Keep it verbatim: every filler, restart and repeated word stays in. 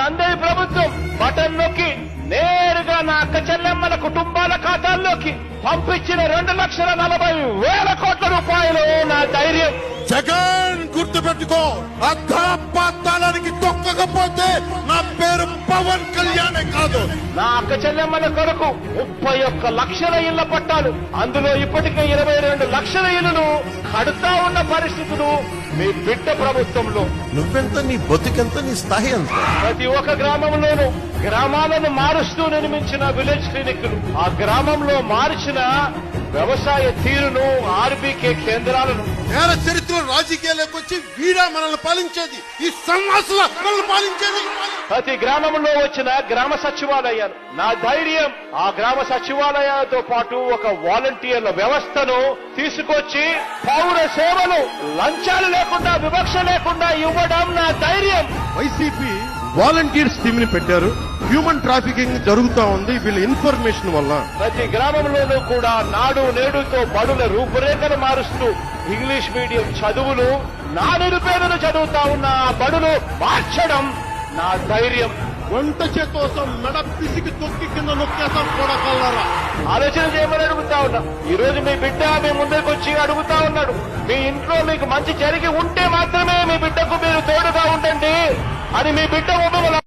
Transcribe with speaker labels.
Speaker 1: మందే ప్రభుత్వం బటన్ నొక్కి నేరుగా నా అక్క చెల్లెమ్మల కుటుంబాల ఖాతాల్లోకి పంపించిన రెండు లక్షల నలభై వేల కోట్ల రూపాయలు నా ధైర్యం.
Speaker 2: జగన్ గుర్తుపెట్టుకో, అర్ధపాతాళానికి తొక్కకపోతే నా పేరు పవన్ కళ్యాణే కాదు.
Speaker 1: నా అక్క చెల్లెమ్మల కొరకు ముప్పై ఒక్క లక్షల ఇళ్ల పట్టాలు, అందులో ఇప్పటికే ఇరవై రెండు లక్షల ఇళ్లను కడుతా ఉన్న పరిస్థితులు మీ బిడ్డ ప్రభుత్వంలో.
Speaker 2: నువ్వెంత, నీ బతుకెంత, నీ స్థాయి ఎంత?
Speaker 1: ప్రతి ఒక్క గ్రామంలోనూ గ్రామాలను మారుస్తూ నిర్మించిన విలేజ్ క్లినిక్లు, ఆ గ్రామంలో మార్చిన వ్యవసాయ తీరును, ఆర్బీకే కేంద్రాలను.
Speaker 2: నేర చరిత్ర రాజకీయాలకు వచ్చి వీడా మనల్ని పాలించేది, ఈ సన్నాసుల మనల్ని పాలించేది.
Speaker 1: ప్రతి గ్రామంలో వచ్చిన గ్రామ సచివాలయాలు నా ధైర్యం. ఆ గ్రామ సచివాలయాలతో పాటు ఒక వాలంటీర్ల వ్యవస్థను తీసుకొచ్చి పౌర సేవలు లంచాలు లేకుండా, వివక్ష లేకుండా ఇవ్వడం నా ధైర్యం.
Speaker 3: వైసీపీ వాలంటీర్స్ టీమ్ ని పెట్టారు. హ్యూమన్ ట్రాఫికింగ్ జరుగుతా ఉంది వీళ్ళ ఇన్ఫర్మేషన్ వల్ల.
Speaker 1: ప్రతి గ్రామంలోనూ కూడా నాడు నేడుతో బడుల రూపురేఖలు మారుస్తూ ఇంగ్లీష్ మీడియం చదువులు, నా నిరుపేదలు చదువుతా ఉన్న ఆ బడులు మార్చడం నా ధైర్యం.
Speaker 3: వంట చేతోసం మెడ పిసికి తొక్కి కింద నొక్కేసాం కూడా కల్లారా.
Speaker 1: ఆలోచన చేయమని అడుగుతా ఉన్నా. ఈ రోజు మీ బిడ్డ మీ ముందరికి వచ్చి అడుగుతా ఉన్నాడు, మీ ఇంట్లో మీకు మంచి జరిగి ఉంటే మాత్రమే మీ బిడ్డకు మీరు తోడుగా ఉండండి అని మీ బిడ్డ